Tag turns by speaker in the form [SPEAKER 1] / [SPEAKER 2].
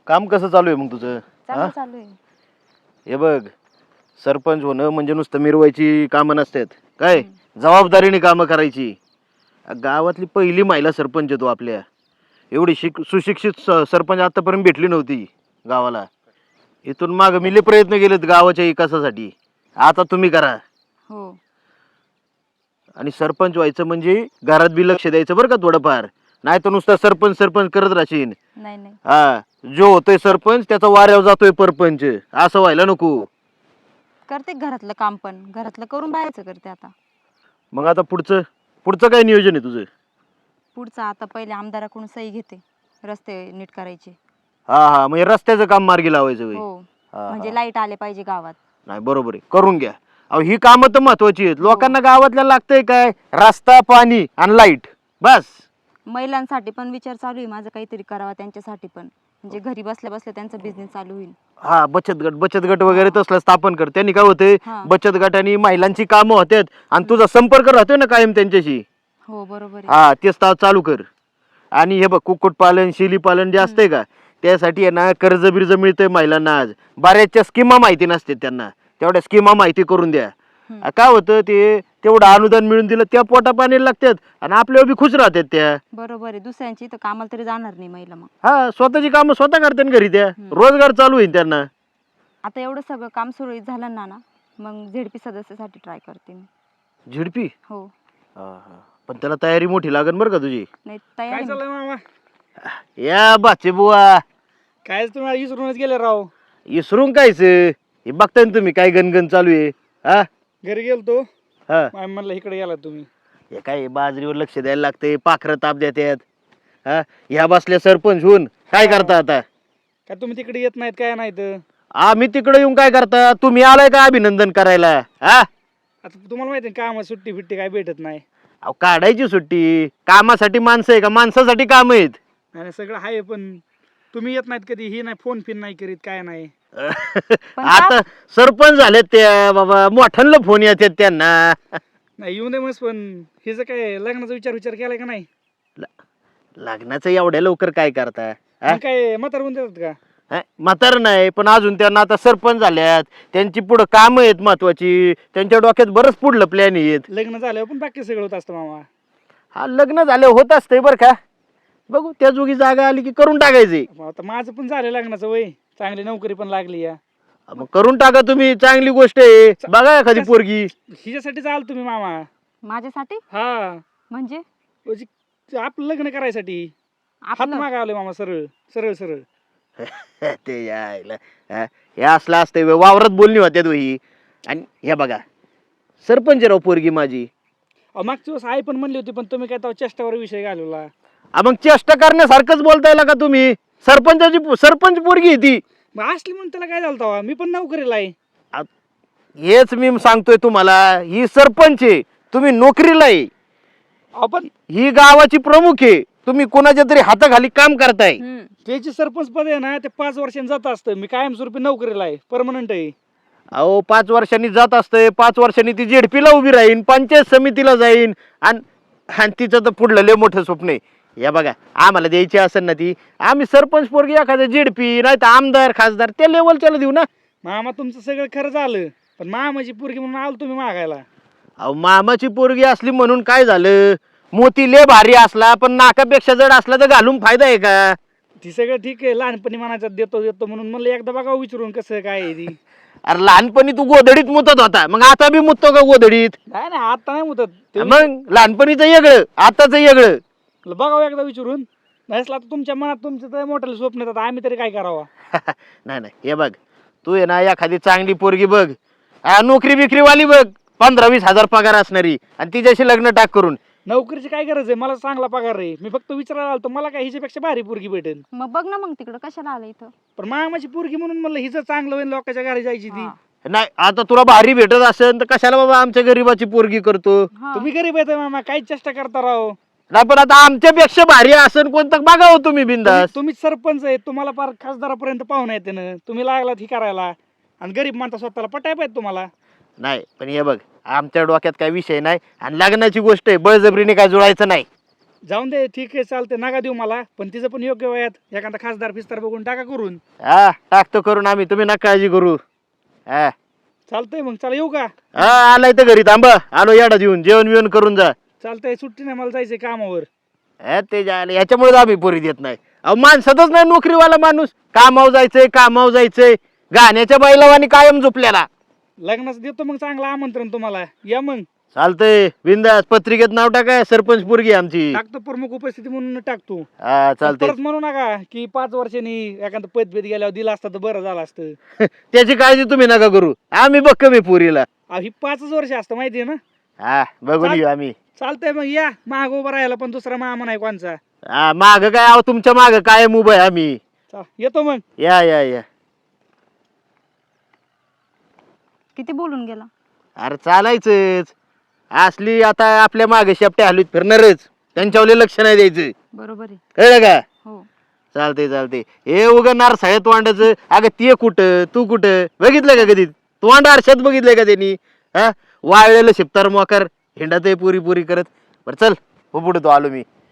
[SPEAKER 1] काम कसं चालू आहे मग तुझं?
[SPEAKER 2] चांगलं चालू आहे.
[SPEAKER 1] हे बघ, सरपंच होणं म्हणजे नुसतं मिरवायची कामं नसतात काय, जबाबदारीने कामं करायची. गावातली पहिली महिला सरपंच आहे तू आपल्या. एवढी सुशिक्षित सरपंच आतापर्यंत भेटली नव्हती गावाला. इथून माग मिले प्रयत्न केलेत गावाच्या विकासासाठी. आता तुम्ही करा.
[SPEAKER 2] हो.
[SPEAKER 1] आणि सरपंच व्हायचं म्हणजे घरात बी लक्ष द्यायचं बरं का थोडंफार. नाही तर नुसतं सरपंच सरपंच करत राहशील.
[SPEAKER 2] नाही नाही
[SPEAKER 1] हा, जो होतोय सरपंच त्याचा वाऱ्यावर जातोय परपंच, असं व्हायला नको.
[SPEAKER 2] करते घरातलं काम, पण घरातलं करून बाहेरचं करते आता.
[SPEAKER 1] मग आता पुढचं पुढचं काय नियोजन आहे तुझं?
[SPEAKER 2] पुढचं आता पहिले आमदाराकडून सही घेते, रस्ते नीट करायचे.
[SPEAKER 1] हा हा, म्हणजे रस्त्याचं काम मार्गी लावायचं होय.
[SPEAKER 2] हो,
[SPEAKER 1] हा,
[SPEAKER 2] म्हणजे
[SPEAKER 1] हा.
[SPEAKER 2] लाईट आले पाहिजे गावात.
[SPEAKER 1] नाही बरोबर आहे, करून घ्या. अहो ही कामं तर महत्वाची आहेत.
[SPEAKER 2] हो.
[SPEAKER 1] लोकांना गावातल्या लागतंय काय, रस्ता, पाणी आणि लाईट, बस.
[SPEAKER 2] महिलांसाठी पण विचार चालू आहे माझं, काहीतरी करावा त्यांच्यासाठी पण, म्हणजे घरी बसल्या बसल्या त्यांचा बिझनेस चालू होईल.
[SPEAKER 1] हा, बचत गट वगैरे तसलं स्थापन कर. त्यांनी काय होते,
[SPEAKER 2] हा.
[SPEAKER 1] बचत गटाने महिलांची कामं होतात आणि तुझा संपर्क राहतोय ना कायम त्यांच्याशी.
[SPEAKER 2] हो बरोबर आहे.
[SPEAKER 1] हा, तेच चालू कर. आणि हे बघ, कुक्कुटपालन, शेळीपालन जे असतंय का, त्यासाठी आहे ना कर्ज बिर्ज मिळतंय महिलांना. आज बऱ्याचशा स्कीमा माहिती नसते त्यांना, तेवढ्या स्कीमा माहिती करून द्या. काय होतं, ते तेवढं अनुदान मिळून दिलं त्या पोटा पाणी लागतात आणि आपल्यावर बी खुश राहतात त्या.
[SPEAKER 2] बरोबर आहे, दुसऱ्यांची तर कामाला तरी जाणार नाही महिला मग.
[SPEAKER 1] हा, स्वतःची कामं स्वतः करतात घरी, त्या रोजगार चालू होईल त्यांना.
[SPEAKER 2] आता एवढं सगळं काम सुरळीत झालं ना मग झेडपी सदस्यासाठी ट्राय करते मी.
[SPEAKER 1] झिडपी?
[SPEAKER 2] हो.
[SPEAKER 1] पण त्याला तयारी मोठी लागेल बरं का तुझी.
[SPEAKER 2] नाही
[SPEAKER 3] काय
[SPEAKER 2] तयारी.
[SPEAKER 3] चाललंय मामा?
[SPEAKER 1] या बाचे बुवा,
[SPEAKER 3] काय तुम्हाला विसरूनच गेले राव.
[SPEAKER 1] इसरून कायच हे बघताय ना तुम्ही काय गणगण चालू आहे. हा
[SPEAKER 3] घरी गेलतो,
[SPEAKER 1] हा,
[SPEAKER 3] म्हणलं इकडे गेला तुम्ही.
[SPEAKER 1] हे काय बाजरीवर लक्ष द्यायला लागते, पाखरं ताप देतात. हा, ह्या बसल्या सरपंच होऊन काय करता आता?
[SPEAKER 3] काय तुम्ही तिकडे येत नाहीत काय नाही तर?
[SPEAKER 1] आम्ही तिकडे येऊन काय करता? तुम्ही आलाय का अभिनंदन करायला? हा,
[SPEAKER 3] आता तुम्हाला माहिती आहे कामात सुट्टी फिट्टी काय भेटत नाही.
[SPEAKER 1] अहो काढायची सुट्टी. कामासाठी माणसं आहे का, माणसासाठी काम आहेत?
[SPEAKER 3] आणि सगळं आहे, पण तुम्ही येत नाहीत कधी. ही नाही, फोन फिन नाही करीत, काय नाही.
[SPEAKER 2] पण
[SPEAKER 1] आता सरपंच झालेत त्या बाबा, मोठ्यांना फोन येतात त्यांना.
[SPEAKER 3] नाही येऊ दे मस्त, पण हिचं काय लग्नाचा विचार केलाय का नाही?
[SPEAKER 1] लग्नाचं एवढ्या लवकर काय करता? हा?
[SPEAKER 3] मग काय म्हातार होऊन देतात का?
[SPEAKER 1] म्हातार नाही, पण अजून त्यांना आता सरपंच झाल्यात, त्यांची पुढं कामं आहेत महत्वाची, त्यांच्या डोक्यात बरंच पुढलं प्लॅन आहेत.
[SPEAKER 3] लग्न झाल्यावर पण बाकी सगळं होत असतं मामा.
[SPEAKER 1] हा, लग्न झालं होत असतंय बरं का. बघू त्या जोगी जागा आली की करून टाकायची.
[SPEAKER 3] आता माझं पण झालं लग्नाचं वय, चांगली नोकरी पण लागली या.
[SPEAKER 1] मग करून टाका तुम्ही, चांगली गोष्ट आहे. बघा एखादी पोरगी.
[SPEAKER 3] हिच्यासाठीच आलो तुम्ही मामा.
[SPEAKER 2] माझ्यासाठी
[SPEAKER 3] हा,
[SPEAKER 2] म्हणजे
[SPEAKER 3] म्हणजे आपलं लग्न करायसाठी हात
[SPEAKER 2] आपलं
[SPEAKER 3] मागा आलोय मामा, सरळ सरळ सरळ.
[SPEAKER 1] ते यायला हे असलं असतंय व्हय, वावरात बोलणी होत्यात ही. आणि हे बघा, सरपंच राव पोरगी माझी.
[SPEAKER 3] मागच्या दिवस आई पण म्हणली होती, पण तुम्ही काय तेव्हा चेष्टावर विषय घालवला.
[SPEAKER 1] मग चेष्टा करण्यासारखंच बोलताय का तुम्ही? सरपंच पोरगी आहे ती.
[SPEAKER 3] मग असली म्हणून त्याला काय झालं तेव्हा? मी पण नोकरीला आहे.
[SPEAKER 1] हेच मी सांगतोय तुम्हाला, ही सरपंच आहे, तुम्ही नोकरीला आहे.
[SPEAKER 3] आपण
[SPEAKER 1] ही गावाची प्रमुख आहे, तुम्ही कोणाच्या तरी हाताखाली काम करताय.
[SPEAKER 3] त्याची सरपंच पद आहे ना, ते 5 वर्षांनी जात असतं. मी कायमस्वरूपी नोकरीला आहे, परमनंट आहे.
[SPEAKER 1] अहो 5 वर्षांनी जात असतंय, 5 वर्षांनी ती जेडपीला उभी राहीन, पंचायत समितीला जाईन, आणि तिचं तर पुढलं लय मोठं स्वप्न आहे. या बघा, आम्हाला द्यायची असेल ना ती, आम्ही सरपंच पोरगी एखाद्या जेडपी नाही तर आमदार खासदार त्या लेवलच्याला देऊ ना.
[SPEAKER 3] मामा तुमचं सगळं खरं झालं, पण मामाची पोरगी म्हणून आलो तुम्ही मागायला.
[SPEAKER 1] अहो मामाची पोरगी असली म्हणून काय झालं? मोती लय भारी असला पण नाकापेक्षा जड असला तर घालून फायदा आहे का?
[SPEAKER 3] ती सगळं ठीक आहे, लहानपणी मनाच्यात देतो देतो म्हणून म्हणलं एकदा बघा विचारून कसं काय आहे ती.
[SPEAKER 1] अरे लहानपणी तू गोधडीत मुतत होता, मग आता बी मुततो का गोधडीत?
[SPEAKER 3] नाही नाही, आता नाही मुदत ते.
[SPEAKER 1] मग लहानपणीचं वेगळं, आताच वेगळं.
[SPEAKER 3] बघावं एकदा विचारून. नसला तर तुमच्या मनात तुमचं तर मोठ्याला स्वप्न येतात, आम्ही तरी काय करावं?
[SPEAKER 1] नाही नाही, हे बघ, तू आहे ना एखादी चांगली पोरगी बघ, नोकरी बिक्रीवाली बघ, 15-20 हजार पगार असणारी, आणि तिच्याशी लग्न टाक करून.
[SPEAKER 3] नोकरीची काय गरज आहे? मला चांगला पगार आहे. मी फक्त विचारायला आलो, मला काय हिच्यापेक्षा भारी पोरगी भेटेल.
[SPEAKER 2] मग बघ ना, मग तिकडं कशाला आलं इथं?
[SPEAKER 3] पण मामाची पोरगी म्हणून म्हणलं हिचं चांगलं होईल, लोकांच्या घरी जायची ती.
[SPEAKER 1] नाही, आता तुला भारी भेटत असेल तर कशाला बाबा आमच्या गरीबाची पोरगी करतो?
[SPEAKER 2] हा.
[SPEAKER 3] तुम्ही गरीब आहे मामा, काही चेष्टा करता राव.
[SPEAKER 1] नाही, पण आता आमच्यापेक्षा भारी असेल कोणतं बघावं तुम्ही बिंदास.
[SPEAKER 3] तुम्ही सरपंच आहे, तुम्हाला पार खासदारापर्यंत पाहुणे येते ना, तुम्ही लागलात ही करायला, आणि गरीब माणसा स्वतःला पटाय पाहिजे तुम्हाला.
[SPEAKER 1] नाही, पण हे बघ, आमच्या डोक्यात काय विषय नाही, आणि लग्नाची गोष्ट आहे, बळजबरीने काय जुळायचं नाही.
[SPEAKER 3] जाऊन दे, ठीक आहे, चालते, नका देऊ मला, पण तिचं पण योग्य वयात एखादा खासदार फिस्तार बघून टाका करून.
[SPEAKER 1] हा टाकतो करून आम्ही, तुम्ही नका काळजी करू. हा
[SPEAKER 3] चालतंय मग, चला येऊ का?
[SPEAKER 1] हा आलाय तर घरी थांबा, आलो याडा देऊन, जेवण बिवण करून जा.
[SPEAKER 3] चालतंय, सुट्टी नाही, मला जायचंय कामावर.
[SPEAKER 1] ते जायला याच्यामुळे आम्ही पोरी देत नाही. अहो माणसातच नाही नोकरीवाला माणूस, कामावर जायचंय गाण्याच्या बैलावानी कायम झोपल्याला.
[SPEAKER 3] लग्नाचं देतो मग चांगलं आमंत्रण तुम्हाला, या मग.
[SPEAKER 1] चालतंय, बिंदास पत्रिकेत नाव टाकाय, सरपंच पोरगी आहे आमची.
[SPEAKER 3] टाकतो, प्रमुख उपस्थिती म्हणून टाकतो.
[SPEAKER 1] हा चालतंय.
[SPEAKER 3] परत म्हणू नका की 5 वर्षांनी एखादं पदभेद गेल्यावर दिला असता तर बरं झालं असतं.
[SPEAKER 1] त्याची काळजी तुम्ही नका करू, आम्ही बघ कमी पोरीला.
[SPEAKER 3] ही 5 वर्ष असतं माहितीये ना.
[SPEAKER 1] हा बघून घेऊ आम्ही.
[SPEAKER 3] चालतंय मग, या माग उभा राहायला, पण दुसरा मामा नाही कोणचा.
[SPEAKER 1] हा माग काय, अहो तुमच्या माग काय उभं आहे आम्ही.
[SPEAKER 3] येतो मग.
[SPEAKER 1] या या या.
[SPEAKER 2] किती बोलून गेला.
[SPEAKER 1] अरे चालायचंच, असली आता आपल्या मागे शेपट्या हलवीत फिरणारच, त्यांच्यावर लक्ष नाही द्यायचं.
[SPEAKER 2] बरोबर आहे.
[SPEAKER 1] कळलं का?
[SPEAKER 2] हो.
[SPEAKER 1] चालते हे उगणार साहेब वांडाचं. अगं ते कुठं तू कुठं बघितलं का कधी? तोंड आरशात बघितलंय का त्यांनी? हा वाळलेलं शिपतार मोकार हिंडात पुरी करत. बरं चल हो पुढे, तो आलो मी.